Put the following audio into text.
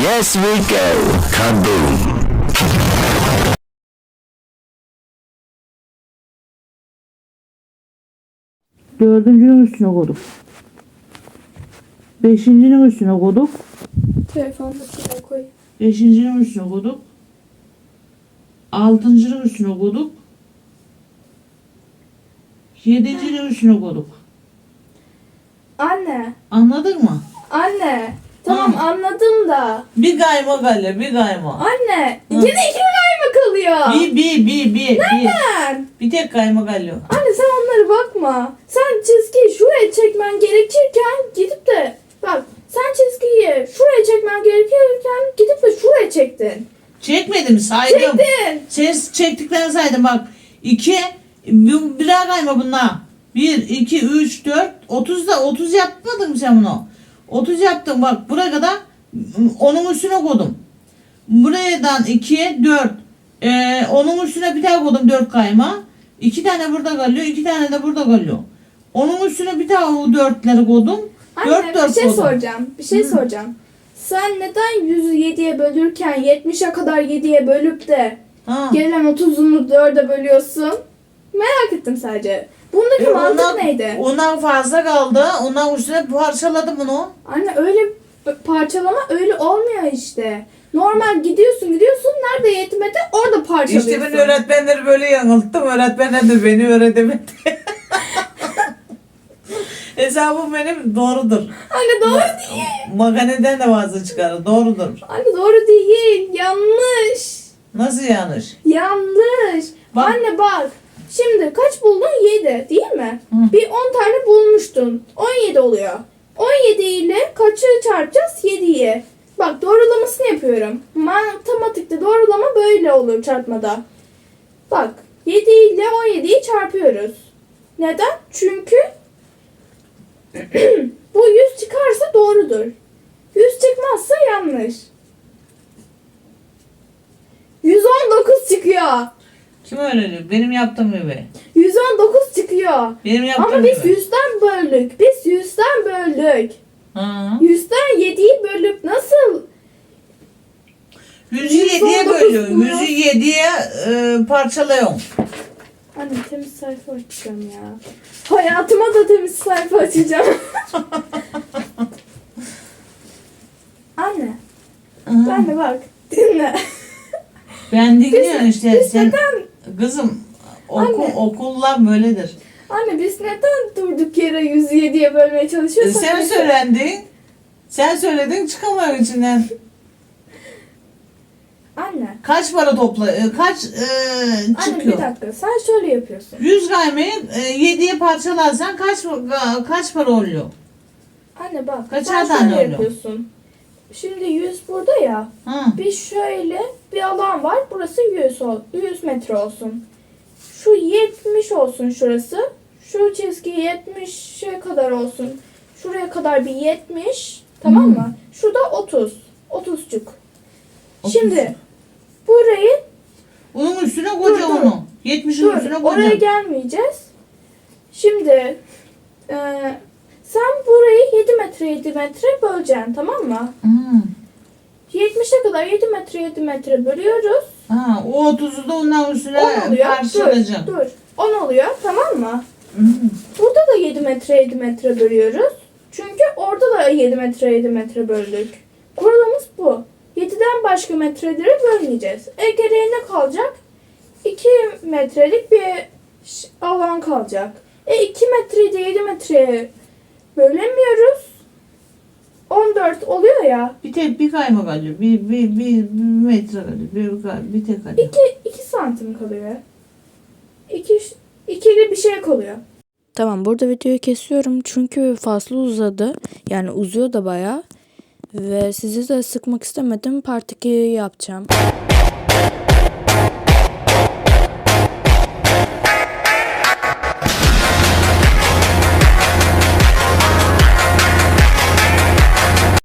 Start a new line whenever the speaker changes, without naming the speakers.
Yes we go. Kaboom.
Dördüncünün üstüne koyduk. Beşincinin üstüne koyduk.
Telefondakine koy.
Beşincinin üstüne koyduk. Altıncının üstüne koyduk. Yedincinin üstüne koyduk.
Anne.
Anladın mı?
Anne. Tamam anladım da.
Bir kayma galle, bir kayma.
Anne. Yine iki kayma kalıyor.
Bir.
Neden?
Bir tek kayma galle.
Anne sen onlara bakma. Sen çizgiyi şuraya çekmen gerekirken gidip de bak sen çizgiyi şuraya çekmen gerekirken gidip de şuraya çektin.
Çekmedim, saydım.
Çektin.
Sen çektiklerini saydım bak. 2, birer kayma bunlar. 1, 2, 3, 4, 30 yapmadın mı sen bunu? 30 yaptım bak buraya kadar onun üstüne koydum. Buradan 2'ye 4. Onun üstüne bir daha koydum 4 kayma. 2 tane burada kalıyor, 2 tane de burada kalıyor. Onun üstüne bir daha o 4'leri koydum.
Anne
4
bir şey
koydum.
soracağım. Bir şey soracağım. Sen neden 100'ü 7'ye bölürken 70'e kadar 7'ye bölüp de
Ha.
gelen 30'unu 4'e bölüyorsun? Merak ettim sadece. Bundaki mantık neydi?
Ondan fazla kaldı. Ondan üstüne parçaladım bunu.
Anne öyle parçalama öyle olmuyor işte. Normal gidiyorsun nerede yetmedi orada parçalıyorsun.
İşte ben öğretmenleri böyle yanılttım. Öğretmenler de beni öğretemedi. Hesabım benim doğrudur.
Anne doğru değil.
Makaneden de fazla çıkarır. Doğrudur.
Anne doğru değil. Yanlış.
Nasıl yanlış?
Yanlış.
Bak.
Anne bak. Şimdi kaç buldun? 7 değil mi?
Hı.
Bir 10 tane bulmuştun. 17 oluyor. 17 ile kaçı çarpacağız? 7'yi. Bak doğrulamasını yapıyorum. Matematikte doğrulama böyle olur çarpmada. Bak 7 ile 17'yi çarpıyoruz. Neden? Çünkü bu 100 çıkarsa doğrudur. 100 çıkmazsa yanlış. 119 çıkıyor.
Kim öğreniyor? Benim yaptığım gibi.
119 çıkıyor.
Benim yaptığım
Ama biz
gibi.
100'den böldük. Biz 100'den böldük.
Ha.
100'den 7'yi bölüp nasıl?
100'ü 7'ye
119
bölüyorum.
mu?
100'ü 7'ye parçalıyorum.
Anne temiz sayfa açacağım ya. Hayatıma da temiz sayfa açacağım. Anne. Ben de bak. Dinle.
Ben dinliyorum işte.
Biz
Sen,
neden?
kızım
Anne.
okullar böyledir.
Anne biz neden durduk yere 107'ye bölmeye çalışıyorsak?
Sen söylendin. Sen söyledin çıkamıyorum içinden.
Anne.
Kaç para topla? Kaç
Anne
çıkıyor?
bir dakika. Sen şöyle yapıyorsun.
100 kaymayı 7'ye parçalarsan kaç para oluyor?
Anne bak.
Kaçar
sen
tane
şöyle
oluyor?
yapıyorsun. Şimdi 100 burada ya.
Ha.
Bir şöyle bir alan var. Burası 100 metre olsun. Şu 70 olsun şurası. Şu çizgi 70'e kadar olsun. Şuraya kadar bir 70. Tamam mı? Şurada 30. 30'cuk.
30.
Şimdi burayı
Onun üstüne koca
dur.
onu. 70'in
dur.
üstüne
Oraya
koca.
gelmeyeceğiz. Şimdi sen burayı 7 metre 7 metre böleceksin. Tamam mı?
Hmm.
70'e kadar 7 metre bölüyoruz.
Ha, o 30'u da ondan üstüne
10 oluyor.
parçalayacağım.
Dur. 10 oluyor. Tamam mı?
Hmm.
Burada da 7 metre bölüyoruz. Çünkü orada da 7 metre böldük. Kuralımız bu. 7'den başka metreleri bölmeyeceğiz. Geriye ne kalacak? 2 metrelik bir alan kalacak. 2 metreyi de 7 metreye bölemiyoruz. 14 oluyor ya.
Bir kayma kalıyor. Bir metre kalıyor. Bir tek kalıyor.
2 santim kalıyor. 2'li bir şey kalıyor.
Tamam, burada videoyu kesiyorum çünkü fazla uzadı. Yani uzuyor da bayağı. Ve sizi de sıkmak istemedim. Part 2 yapacağım.